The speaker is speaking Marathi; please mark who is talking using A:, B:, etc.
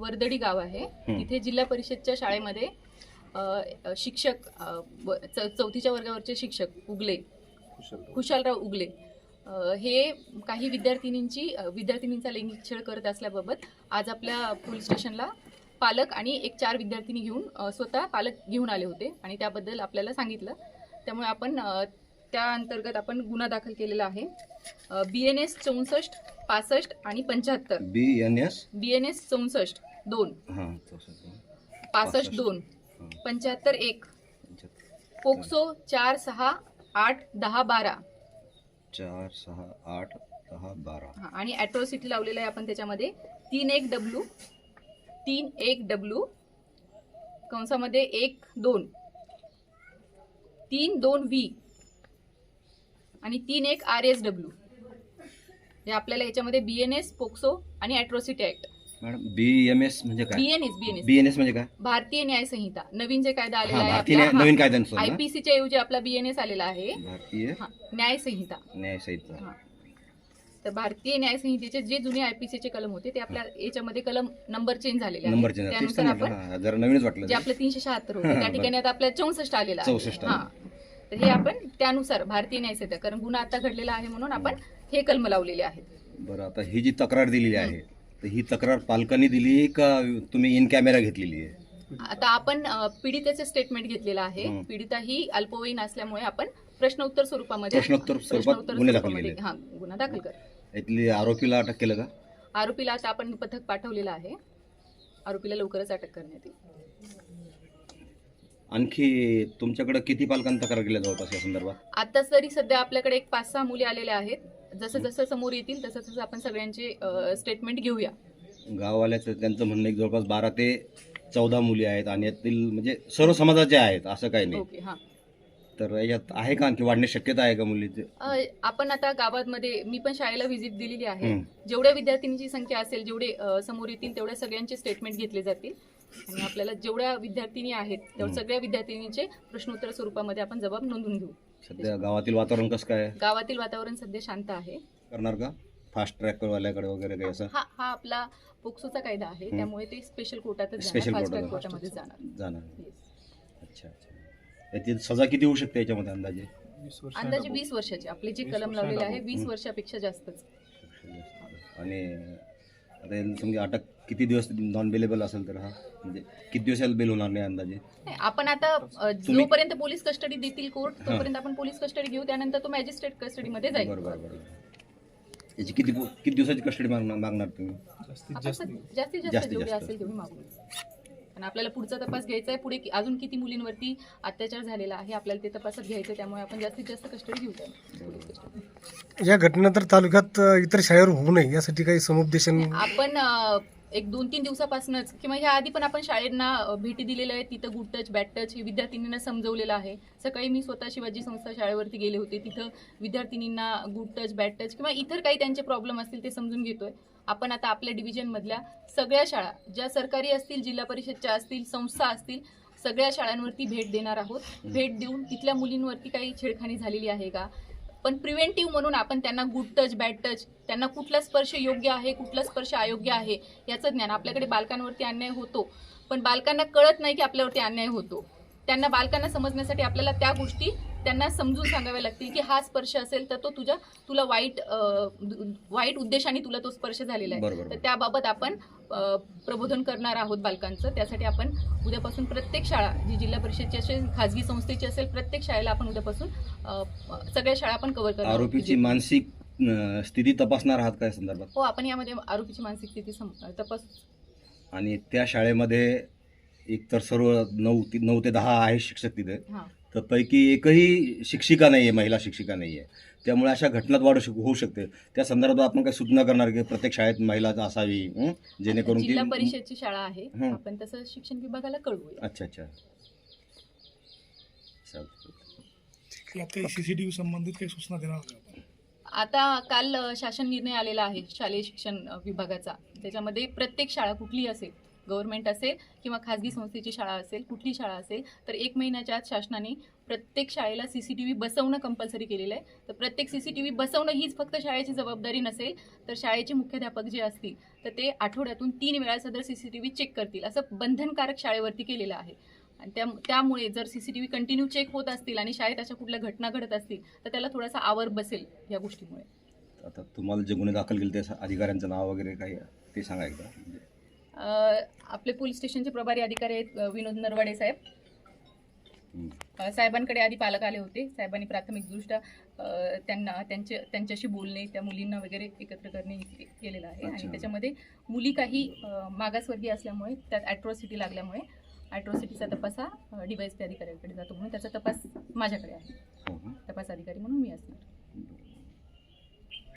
A: वर्दडी गाव आहे. तिथे जिल्हा परिषदच्या शाळेमध्ये शिक्षक चौथीच्या वर्गावरचे शिक्षक उगले, खुशालराव उगले हे काही विद्यार्थिनींचा लैंगिक छळ करत असल्याबाबत आज आपल्या पोलीस स्टेशनला पालक आणि 4 विद्यार्थिनी घेऊन स्वतः पालक घेऊन आले होते आणि त्याबद्दल आपल्याला सांगितलं. त्यामुळे आपण त्या अंतर्गत आपण गुन्हा दाखल केलेला आहे. BNS 64, 65 आणि 75. BNS 64 2, 65 2, 75 1, POCSO 4, 6, 8, 10, 12.
B: 4, 6, 8, 10, 12
A: आणि ॲट्रॉसिटी लावलेला आहे आपण त्याच्यामध्ये 31W 31W कंसामध्ये 1 2 3 2 V आणि 3 1 RSW. हे आपल्याला याच्यामध्ये BNS, पोक्सो आणि ॲट्रॉसिटी ऍक्ट.
B: मॅडम BMS म्हणजे काय? BNS म्हणजे काय?
A: भारतीय न्याय संहिता, नवीन जे कायदा आलेला आहे
B: भारतीय नवीन कायद्यानुसार
A: IPC च्या ऐवजी आपला BNS आलेला आहे,
B: भारतीय
A: न्याय संहिता. तर भारतीय न्याय संहितेचे जे जुने IPC चे कलम होते ते आपल्या याच्यामध्ये कलम नंबर चेंज झालेले आहे. त्यानुसार आपण
B: जरा नवीनच वाटलं
A: जे आपलं 376 होते त्या ठिकाणी आता आपल्या 64 आलेला आहे.
B: 64.
A: तर हे आपण त्यानुसार भारतीय न्याय संहिता, कारण गुन्हा आता घडलेला आहे म्हणून आपण हे कलम लावलेले आहेत.
B: बरं, आता ही जी तक्रार दिलेली आहे तर ही तक्रार पालकांनी दिली का तुम्ही इन कॅमेरा घेतलेली आहे?
A: आता आपण पीडितेचे स्टेटमेंट घेतलेलं आहे. पीडिता ही अल्पवयीन असल्यामुळे आपण प्रश्नोत्तर स्वरूपामध्ये गुन्हा दाखल कर.
B: इथली आरोपीला अटक केलं का?
A: आरोपीला आता आपण पथक पाठवलेलं आहे. आरोपीला लवकरच अटक करण्यात येईल.
B: आणखी तुमच्याकडे किती पालकांनी तक्रार केल्या जवळपास या संदर्भात?
A: आता तरी सध्या आपल्याकडे 5-6 मुली आलेल्या आहेत. जसं जसं समोर येतील तसं तसं आपण सगळ्यांचे स्टेटमेंट घेऊया.
B: गाववाल्याचं त्यांचं म्हणणं एक जवळपास 12 ते 14 मुली आहेत आणि यातील म्हणजे सर्व समाजाचे आहेत असं काही नाही.
A: ओके, हां.
B: तर यात आहे का आणखी वाढण्याची शक्यता आहे का मुलीची?
A: आपण आता गावामध्ये मी पण शाळेला व्हिजिट दिलेली आहे. जेवढ्या विद्यार्थिनींची संख्या असेल, जेवढे समोर येतील तेवढ्या सगळ्यांचे स्टेटमेंट घेतले जातील आणि आपल्याला जेवढ्या विद्यार्थिनी आहेत तेवढ्या सगळ्या विद्यार्थिनींचे प्रश्नोत्तर स्वरूपामध्ये आपण जबाब नोंदवून घेऊ.
B: सध्या गावातील वातावरण कसं काय?
A: गावातील वातावरण सध्या शांत आहे.
B: करणार का फास्ट ट्रॅक वाल्याकडे वगैरे काही असं?
A: हा आपला पोक्सोचा कायदा आहे त्यामुळे ते स्पेशल कोर्टातच कोर्टामध्ये जाणार.
B: अच्छा. याची सजा किती होऊ शकते याच्यामध्ये अंदाजे?
A: 20 वर्षाची. आपले जे कलम लावलेले आहे 20 वर्षापेक्षा जास्तच.
B: आणि आता समजा अटक किती दिवस नॉन बेलेबल असेल तर म्हणजे किती दिवसाला बेल होणार नाही अंदाजे?
A: आपण आता जोपर्यंत पोलीस कस्टडी देतील कोर्ट तोपर्यंत आपण पोलीस कस्टडी घेऊ. त्यानंतर तो मॅजिस्ट्रेट कस्टडीमध्ये जाईल.
B: बरोबर. याची किती दिवसाची कस्टडी मागणार तुम्ही?
A: जास्तीत जास्त जेवढी असेल तेवढी मागू. आणि आपल्याला पुढचा तपास घ्यायचा आहे. पुढे अजून किती मुलींवरती अत्याचार झालेला आहे आपल्याला ते तपासात घ्यायचं. त्यामुळे आपण जास्तीत जास्त कस्टडी घेऊ.
C: या घटनेनंतर तालुक्यात इतर शाळेवर होऊ नये यासाठी काही समुपदेशन
A: आपण एक 2-3 दिवसापासूनच किंवा ह्या आधी पण आपण शाळेंना भेटी दिलेल्या आहेत. तिथं गुड टच, बॅड टच हे विद्यार्थिनींना समजवलेलं आहे. सकाळी मी स्वतः शिवाजी संस्था शाळेवरती गेले होते. तिथं विद्यार्थिनींना गुड टच, बॅड टच किंवा इतर काही त्यांचे प्रॉब्लेम असतील ते समजून घेतोय. आपण आता आपल्या डिव्हिजनमधल्या सगळ्या शाळा ज्या सरकारी असतील, जिल्हा परिषदच्या असतील, संस्था असतील, सगळ्या शाळांवरती भेट देणार आहोत. भेट देऊन तिथल्या मुलींवरती काही छेडखानी झालेली आहे का, पण प्रिव्हेंटिव्ह म्हणून आपण त्यांना गुड टच, बॅड टच, त्यांना कुठला स्पर्श योग्य आहे, कुठला स्पर्श अयोग्य आहे याचं ज्ञान. आपल्याकडे बालकांवरती अन्याय होतो पण बालकांना कळत नाही की आपल्यावरती अन्याय होतो. बालकांना समजण्यासाठी आपल्याला त्या गोष्टी त्यांना समजून सांगाव्या लागतील की हा स्पर्श असेल तर तो तुला वाईट उद्देशाने तुला तो स्पर्श झालेला आहे. तर त्याबाबत आपण प्रबोधन करणार आहोत बालकांचं. त्यासाठी आपण उद्यापासून प्रत्येक शाळा जी जिल्हा परिषदची असेल, खाजगी संस्थेची असेल, प्रत्येक शाळेला आपण उद्यापासून सगळ्या शाळा आपण कव्हर करणार.
B: आरोपीची मानसिक स्थिती तपासणार आहात काय संदर्भात?
A: हो, आपण यामध्ये आरोपीची मानसिक स्थिती तपास.
B: आणि त्या शाळेमध्ये एकतर सर्व 9 ते 10 आहे शिक्षक तिथे, तर पैकी एकही शिक्षिका नाहीये, महिला शिक्षिका नाहीये. त्यामुळे अशा घटनात वाढ होऊ शकते. त्या संदर्भात आपण काही सूचना करणार की प्रत्येक शाळेत महिला असावी जेणेकरून
A: जिल्हा परिषदची शाळा आहे आपण तसं शिक्षण विभागाला कळवूया.
B: अच्छा.
C: CCTV संबंधित काही सूचना देणार?
A: आता काल शासन निर्णय आलेला आहे शालेय शिक्षण विभागाचा. त्याच्यामध्ये प्रत्येक शाळा कुठलीही असेल गव्हर्नमेंट असेल किंवा खाजगी संस्थेची शाळा असेल, कुठली शाळा असेल, तर 1 महिन्याच्या आत शासनाने प्रत्येक शाळेला CCTV बसवणं कंपल्सरी केलेलं आहे. तर प्रत्येक CCTV बसवणं हीच फक्त शाळेची जबाबदारी नसेल, तर शाळेचे मुख्याध्यापक जे असतील तर ते आठवड्यातून 3 वेळा सदर CCTV चेक करतील, असं बंधनकारक शाळेवरती केलेलं आहे. आणि त्यामुळे जर CCTV कंटिन्यू चेक होत असतील आणि शाळेत अशा कुठल्या घटना घडत असतील तर त्याला थोडासा आवर बसेल या गोष्टीमुळे.
B: आता तुम्हाला जे गुन्हे दाखल केले त्या अधिकाऱ्यांचं नाव वगैरे काही ते सांगा एकदा.
A: आपले पोलीस स्टेशनचे प्रभारी अधिकारी आहेत विनोद नरवाडे साहेब.
B: हं.
A: साहेबांकडे आधी पालक आले होते. साहेबांनी प्राथमिकदृष्ट्या त्यांच्याशी बोलणे, त्या मुलींना वगैरे एकत्र करणे केलेलं आहे.
B: अच्छा.
A: आणि त्याच्यामध्ये मुली काही मागासवर्गीय असल्यामुळे त्यात ॲट्रॉसिटी लागल्यामुळे ॲट्रॉसिटीचा तपास हा DYSP अधिकाऱ्यांकडे जातो, म्हणून त्याचा तपास माझ्याकडे आहे.
B: हो का?
A: तपास अधिकारी म्हणून मी असणार.
B: बरं.